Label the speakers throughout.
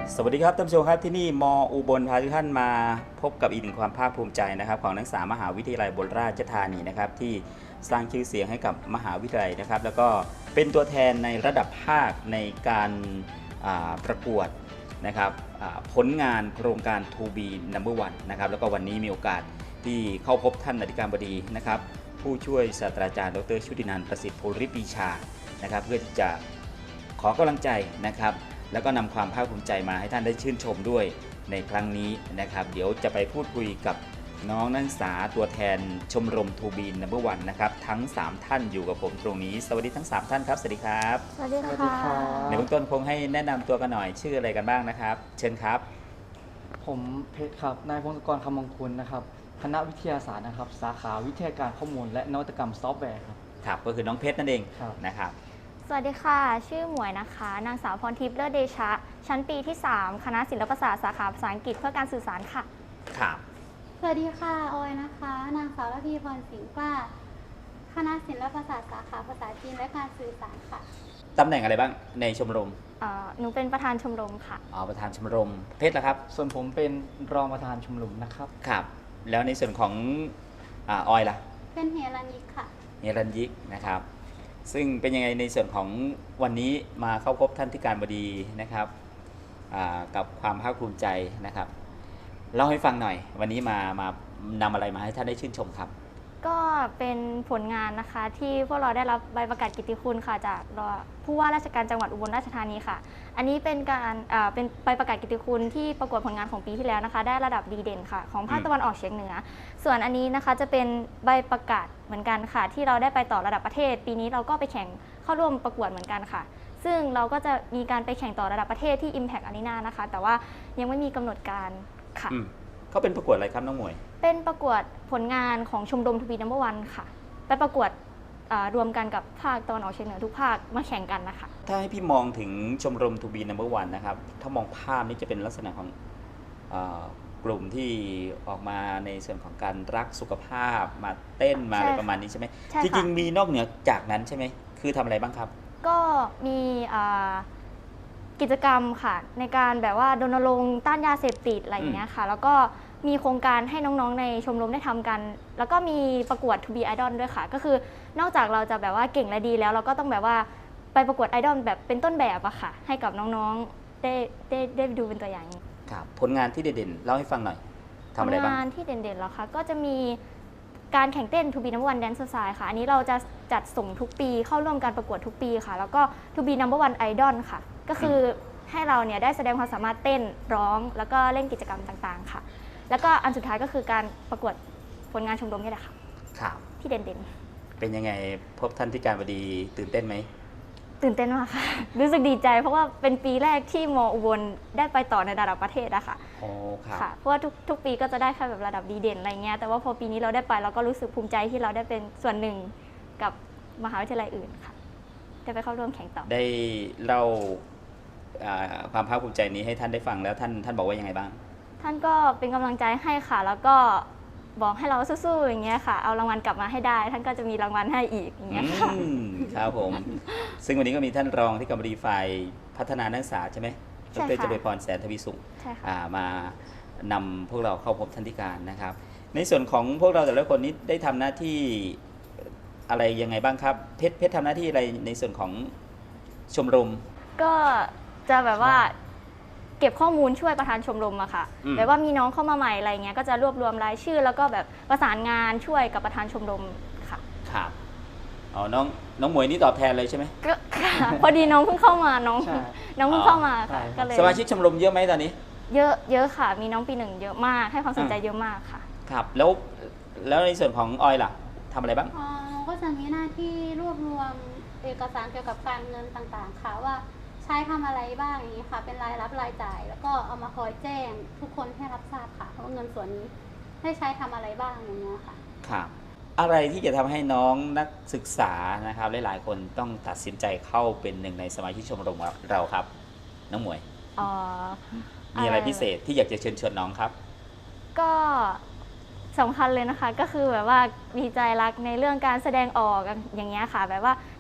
Speaker 1: สวัสดีครับท่านผู้ชมครับที่นี่มอุบลพาทุกท่านมาพบกับอีกหนึ่งความภาคภูมิใจนะครับของนักศึกษามหาวิทยาลัยอุบลราชธานีนะครับที่สร้างชื่อเสียงให้กับมหาวิทยาลัยนะครับแล้วก็เป็นตัวแทนในระดับภาคในการประกวดนะครับผลงานโครงการ To be number one นะครับแล้วก็วันนี้มีโอกาสที่เข้าพบท่านอธิการบดีนะครับผู้ช่วยศาสตราจารย์ดรชุตินันท์ประสิทธิ์ภูริปรีชานะครับเพื่อที่จะขอกำลังใจนะครับแล้วก็นำความภาคภูมิใจมาให้ท่านได้ชื่นชมด้วยในครั้งนี้นะครับเดี๋ยวจะไปพูดคุยกับน้องนักศึกษาตัวแทนชมรม To be number one นะครับทั้ง3ท่านอยู่กับผมตรงนี้สวัสดีทั้ง3ท่านครับสวัสดีครับ
Speaker 2: สวัสดีค่ะ
Speaker 1: ในเบื้องต้นคงให้แนะนำตัวกันหน่อยชื่ออะไรกันบ้างนะครับเชิญครับ
Speaker 3: ผมเพชรครับนายพงศกรคำมงคลนะครับคณะวิทยาศาสตร์นะครับสาขาวิทยาการข้อมูลและนวัตกรรมซอฟต์แวร์ครับ
Speaker 1: ครับก็คือน้องเพชรนั่นเอง นะครับ
Speaker 2: สวัสดีค่ะชื่อหมวยนะคะนางสาวพรทิพย์เลิศเดชะชั้นปีที่3คณะศิลปศาสตร์สาขาภาษาอังกฤษเพื่อการสื่อสารค่ะ
Speaker 1: ครับ
Speaker 4: สวัสดีค่ะออยนะคะนางสาวระพีพรสิงห์กล้าคณะศิลปศาสตร์สาขาภาษาจีนและการสื่อสารค่ะ
Speaker 1: ตำแหน่งอะไรบ้างในชมรม
Speaker 2: หนูเป็นประธานชมรมค่ะ
Speaker 1: ประธานชมรมเพชรล่ะครับ
Speaker 3: ส่วนผมเป็นรองประธานชมรมนะครับ
Speaker 1: ครับแล้วในส่วนของออยล่ะ
Speaker 4: เป็นเฮรัญยิกค่ะ
Speaker 1: เฮรัญยิกนะครับซึ่งเป็นยังไงในส่วนของวันนี้มาเข้าพบท่านที่การบดีนะครับกับความภาคภูมิใจนะครับเล่าให้ฟังหน่อยวันนี้มานำอะไรมาให้ท่านได้ชื่นชมครับ
Speaker 2: ก็เป็นผลงานนะคะที่พวกเราได้รับใบประกาศกิตติคุณค่ะจากผู้ว่าราชการจังหวัดอุบลราชธานีค่ะอันนี้เป็นการเป็นใบประกาศกิตติคุณที่ประกวดผลงานของปีที่แล้วนะคะได้ระดับดีเด่นค่ะของภาคตะวันออกเฉียงเหนือส่วนอันนี้นะคะจะเป็นใบประกาศเหมือนกันค่ะที่เราได้ไปต่อระดับประเทศปีนี้เราก็ไปแข่งเข้าร่วมประกวดเหมือนกันค่ะซึ่งเราก็จะมีการไปแข่งต่อระดับประเทศที่ Impact Arena นะคะแต่ว่ายังไม่มีกำหนดการค่ะ
Speaker 1: เขาเป็นประกวดอะไรครับน้องหมวย
Speaker 2: เป็นประกวดผลงานของชมรม To be number one ค่ะไปประกวดรวมกันกับภาคตะวันออกเฉียงเหนือทุกภาคมาแข่งกันนะคะ
Speaker 1: ถ้าให้พี่มองถึงชมรม To be number one นะครับถ้ามองภาพนี้จะเป็นลักษณะของกลุ่มที่ออกมาในส่วนของการรักสุขภาพมาเต้นมาอะไรประมาณนี้ใช่ไหมจริงๆมีนอกเหนือจากนั้นใช่ไหมคือทำอะไรบ้างครับ
Speaker 2: ก็มีกิจกรรมค่ะในการแบบว่ารณรงค์ต้านยาเสพติดอะไรอย่างเงี้ยค่ะแล้วก็มีโครงการให้น้องๆในชมรมได้ทำกันแล้วก็มีประกวด To be Idol ด้วยค่ะก็คือนอกจากเราจะแบบว่าเก่งและดีแล้วเราก็ต้องแบบว่าไปประกวดไอดอลแบบเป็นต้นแบบอะค่ะให้กับน้องๆได้ดูเป็นตัวอย่าง
Speaker 1: ครับผลงานที่เด่นๆเล่าให้ฟังหน่อยทำอะไรบ้าง
Speaker 2: ผลงานที่เด่นๆแล้วค่ะก็จะมีการแข่งเต้น To be number one dance style ค่ะอันนี้เราจะจัดส่งทุกปีเข้าร่วมการประกวดทุกปีค่ะแล้วก็ To be number one idol ค่ะก็คือให้เราเนี่ยได้แสดงความสามารถเต้นร้องแล้วก็เล่นกิจกรรมต่างๆค่ะแล้วก็อันสุดท้ายก็คือการประกวดผลงานชมรมนี่แหละค่ะ
Speaker 1: ครับ
Speaker 2: ที่เด่น
Speaker 1: ๆเป็นยังไงพบท่านที่การบดีตื่นเต้นไหม
Speaker 2: ตื่นเต้นมากค่ะรู้สึกดีใจเพราะว่าเป็นปีแรกที่มอุบลได้ไปต่อในระดับประเทศอะค่ะ
Speaker 1: โอ้ครับ
Speaker 2: ค่ะเพราะว่าทุกปีก็จะได้แค่แบบระดับดีเด่นอะไรเงี้ยแต่ว่าพอปีนี้เราได้ไปเราก็รู้สึกภูมิใจที่เราได้เป็นส่วนหนึ่งกับมหาวิทยาลัยอื่นค่ะได้ไปเข้าร่วมแข่งต่อ
Speaker 1: ได้เล่าความภาคภูมิใจนี้ให้ท่านได้ฟังแล้วท่านบอกว่ายังไงบ้าง
Speaker 2: ท่านก็เป็นกำลังใจให้ค่ะแล้วก็บอกให้เราสู้ๆอย่างเงี้ยค่ะเอารางวัลกลับมาให้ได้ท่านก็จะมีรางวัลให้อีกอย่างเงี้ยค่ะ
Speaker 1: ครับผมซึ่งวันนี้ก็มีท่านรองที่การบดีฝ่ายพัฒนานักศึกษาใช่ไหมดร.เจริญพรแสนทวีสุขมานำพวกเราเข้าพบท่านที่การนะครับในส่วนของพวกเราแต่ละคนนี้ได้ทำหน้าที่อะไรยังไงบ้างครับเพชรทำหน้าที่อะไรในส่วนของชมรม
Speaker 2: ก็จะแบบว่าเก็บข้อมูลช่วยประธานชมรมอะค่ะแบบว่ามีน้องเข้ามาใหม่อะไรเงี้ยก็จะรวบรวมรายชื่อแล้วก็แบบประสานงานช่วยกับประธานชมรมค่ะ
Speaker 1: ครับอ๋อน้องหมวยนี่ตอบแทนเลยใช่ไหม
Speaker 2: ก็พอดีน้องเพิ่งเข้ามาน้องเพิ่งเข้ามาค่ะก็เลย
Speaker 1: สมาชิกชมรมเยอะไหมตอนนี้
Speaker 2: เยอะค่ะมีน้องปีหนึ่งเยอะมากให้ความสนใจเยอะมากค่ะ
Speaker 1: ครับแล้วในส่วนของออยล่ะทำอะไรบ้าง
Speaker 4: ก็จะมีหน้าที่รวบรวมเอกสารเกี่ยวกับการเงินต่างๆค่ะว่าใช้ทำอะไรบ้างอย่างนี้ค่ะเป็นรายรับรายจ่ายแล้วก็เอามาคอยแจ้งทุกคนให้รับทราบค่ะว่าเงินส่วนนี้ให้ใช้ทำอะไรบ้างอย่างเงี้ยค่ะ
Speaker 1: ครับอะไรที่จะทำให้น้องนักศึกษานะครับหลายๆคนต้องตัดสินใจเข้าเป็นหนึ่งในสมาชิกชมรมเราครับน้องหมวยมีอะไรพิเศษที่อยากจะเชิญชวนน้องครับ
Speaker 2: ก็สำคัญเลยนะคะก็คือแบบว่ามีใจรักในเรื่องการแสดงออกอย่างเงี้ยค่ะแบบว่า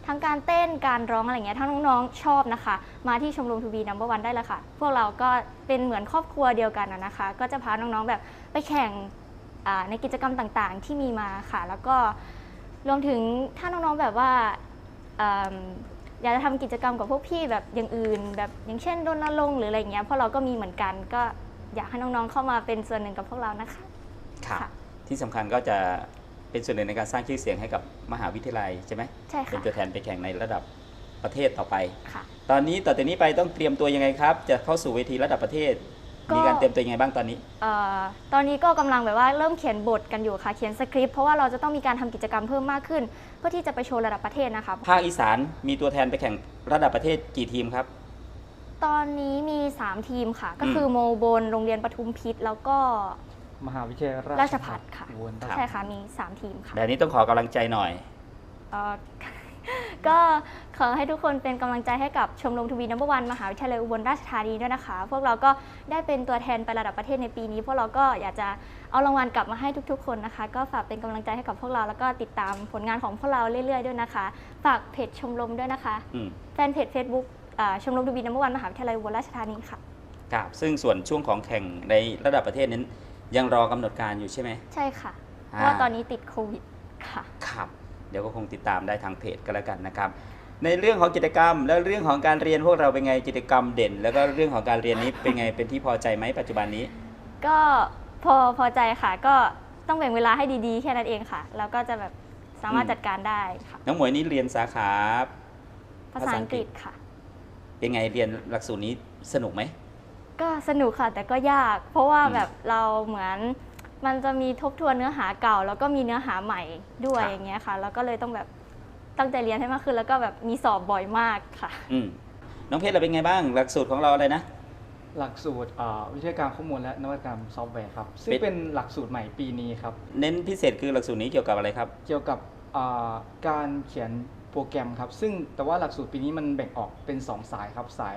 Speaker 2: ทั้งการเต้นการร้องอะไรเงี้ยถ้าน้องๆชอบนะคะ มาที่ชมรมทูบีนัมเบอร์วันได้เลยค่ะ พวกเราก็เป็นเหมือนครอบครัวเดียวกันนะคะ ก็จะพาน้องๆแบบไปแข่งในกิจกรรมต่างๆที่มีมาค่ะ แล้วก็รวมถึงถ้าน้องๆแบบว่าอยากจะทำกิจกรรมกับพวกพี่แบบอย่างอื่นแบบอย่างเช่นรณรงค์หรืออะไรเงี้ยพวกเราก็มีเหมือนกันก็อยากให้น้องๆเข้ามาเป็นส่วนหนึ่งกับพวกเรานะคะ
Speaker 1: ค่ะ
Speaker 2: ค่ะ
Speaker 1: ที่สำคัญก็จะเป็นส่วนหนึ่งในการสร้างชื่อเสียงให้กับมหาวิทยาลัยใช่ไหม
Speaker 2: ใช่
Speaker 1: เป็น
Speaker 2: ค่ะ
Speaker 1: ตัวแทนไปแข่งในระดับประเทศต่อไป
Speaker 2: ค่ะ
Speaker 1: ตอนนี้ต่อจากนี้ไปต้องเตรียมตัวยังไงครับ จะเข้าสู่เวทีระดับประเทศ
Speaker 2: ก็
Speaker 1: มีการเตรียมตัวยังไงบ้างตอนนี้
Speaker 2: ตอนนี้ก็กำลังแบบว่าเริ่มเขียนบทกันอยู่ค่ะเขียนสคริปต์เพราะว่าเราจะต้องมีการทำกิจกรรมเพิ่มมากขึ้น เพื่อที่จะไปโชว์ระดับประเทศนะคะ
Speaker 1: ภาคอีสานมีตัวแทนไปแข่งระดับประเทศกี่ทีมครับ
Speaker 2: ตอนนี้มี 3 ทีมค่ะ ก็คือโมบนโรงเรียนปทุมพิษแล้วก็
Speaker 3: มหาวิทยาลัย
Speaker 2: ราชภัฏค่ะ
Speaker 3: อุบล
Speaker 1: ครับ
Speaker 2: ใช่ค่ะมี 3 ทีมค่ะ
Speaker 1: แบบนี้ต้องขอกำลังใจหน่อย
Speaker 2: เอ่อ ก็ขอให้ทุกคนเป็นกำลังใจให้กับชมรมทูบีนัมเบอร์วันมหาวิทยาลัยอุบลราชธานีด้วยนะคะ พวกเราก็ได้เป็นตัวแทนไประดับประเทศในปีนี้ พวกเราก็อยากจะเอารางวัลกลับมาให้ทุกๆ คนนะคะ ก็ฝากเป็นกำลังใจให้กับพวกเราแล้วก็ติดตามผลงานของพวกเราเรื่อยๆด้วยนะคะฝากเพจชมรมด้วยนะคะ
Speaker 1: อืม
Speaker 2: แฟนเพจ Facebook ชมรมทูบีนัมเบอร์วันมหาวิทยาลัยอุบลราชธานีค่ะ
Speaker 1: ครับซึ่งส่วนช่วงของแข่งในระดับประเทศนั้นยังรอกำหนดการอยู่ใช่ไหม
Speaker 2: ใช่ค่ะเพราะว่าตอนนี้ติดโควิดค่ะ
Speaker 1: ครับ เดี๋ยวก็คงติดตามได้ทางเพจก็แล้วกันนะครับ ในเรื่องของกิจกรรม และเรื่องของการเรียนพวกเราเป็นไงกิจกรรมเด่น แล้วก็เรื่องของการเรียนนี้เป็นไงเป็นที่พอใจไหมปัจจุบันนี้
Speaker 2: ก็พอใจค่ะ ก็ต้องแบ่งเวลาให้ดีๆ แค่นั้นเองค่ะ แล้วก็จะแบบสามารถจัดการได้ค่ะ
Speaker 1: น้องหมวยนี่เรียนสาขา
Speaker 2: ภาษาอังกฤษค่ะ
Speaker 1: เป็นไงเรียนหลักสูตรนี้สนุกไหม
Speaker 2: ก็สนุกค่ะ แต่ก็ยาก เพราะว่าแบบเราเหมือนมันจะมีทบทวนเนื้อหาเก่า แล้วก็มีเนื้อหาใหม่ด้วย
Speaker 1: ครับ
Speaker 2: อย่างเงี้ยค่ะ แล้วก็เลยต้องแบบตั้งใจเรียนให้มากขึ้น แล้วก็แบบมีสอบบ่อยมากค่ะ
Speaker 1: น้องเพชรเราเป็นไงบ้าง หลักสูตรของเราอะไรนะ
Speaker 3: หลักสูตรวิทยาการข้อมูลและนวัตกรรมซอฟต์แวร์ครับซึ่ง
Speaker 1: เป็น
Speaker 3: เป็นหลักสูตรใหม่ปีนี้ครับ
Speaker 1: เน้นพิเศษคือหลักสูตรนี้เกี่ยวกับอะไรครับ
Speaker 3: เกี่ยวกับการเขียนโปรแกรมครับซึ่งแต่ว่าหลักสูตรปีนี้มันแบ่งออกเป็น 2 สายครับสาย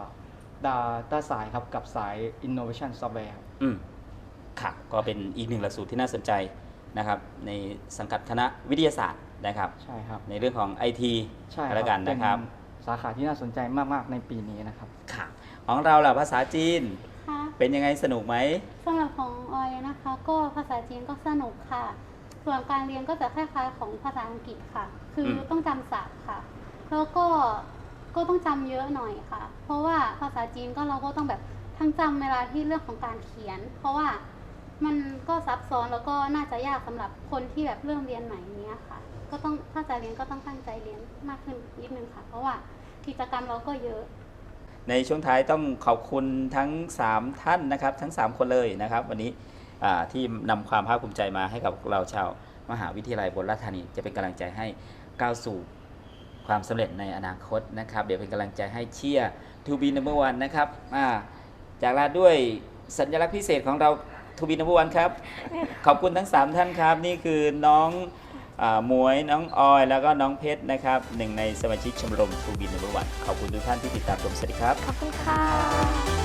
Speaker 3: Data สายครับกับสาย Innovation Software ครับ
Speaker 1: ค่ะก็เป็นอีกหนึ่งหลักสูตรที่น่าสนใจนะครับในสังกัดคณะวิทยาศาสตร์นะครับ
Speaker 3: ใช่ครับ
Speaker 1: ในเรื่องของ IT
Speaker 3: ใช่ค
Speaker 1: ก็
Speaker 3: รั
Speaker 1: แล้วกันนะครับ
Speaker 3: เป็นสาขาที่น่าสนใจมากๆในปีนี้นะครับ
Speaker 1: ค่ะของเราล่ะภาษาจีน
Speaker 4: ค่ะ
Speaker 1: เป็นยังไงสนุกไหม
Speaker 4: สำหรับของออยนะคะ ก็ภาษาจีนก็สนุกค่ะ ส่วนการเรียนก็จะคล้ายๆของภาษาอังกฤษค่ะ คือต้องจำศัพท์ค่ะ แล้วก็ต้องจำเยอะหน่อยค่ะ เพราะว่าภาษาจีนก็เราก็ต้องแบบทั้งจำเวลาที่เรื่องของการเขียน เพราะว่ามันก็ซับซ้อนแล้วก็น่าจะยากสำหรับคนที่แบบเริ่มเรียนใหม่เนี้ยค่ะ ก็ต้องถ้าจะเรียนก็ต้องตั้งใจเรียนมากขึ้นนิดนึงค่ะ เพราะว่ากิจกรรมเราก็เยอะ
Speaker 1: ในช่วงท้ายต้องขอบคุณทั้ง 3 ท่านนะครับทั้ง 3 คนเลยนะครับ วันนี้ที่นำความภาคภูมิใจมาให้กับพวกเราชาวมหาวิทยาลัยอุบลราชธานีจะเป็นกำลังใจให้ก้าวสู่ความสำเร็จในอนาคตนะครับ เดี๋ยวเป็นกำลังใจให้เชียร์ To be number one นะครับจากลาด้วยสัญลักษณ์พิเศษของเรา To be number one ครับ ขอบคุณทั้ง 3 ท่านครับ นี่คือน้องหมวยน้องออย แล้วก็น้องเพชรนะครับหนึ่งในสมาชิกชมรม To be number one ขอบคุณทุกท่านที่ติดตามชมสวัสดีครับ
Speaker 2: ขอบคุณค่ะ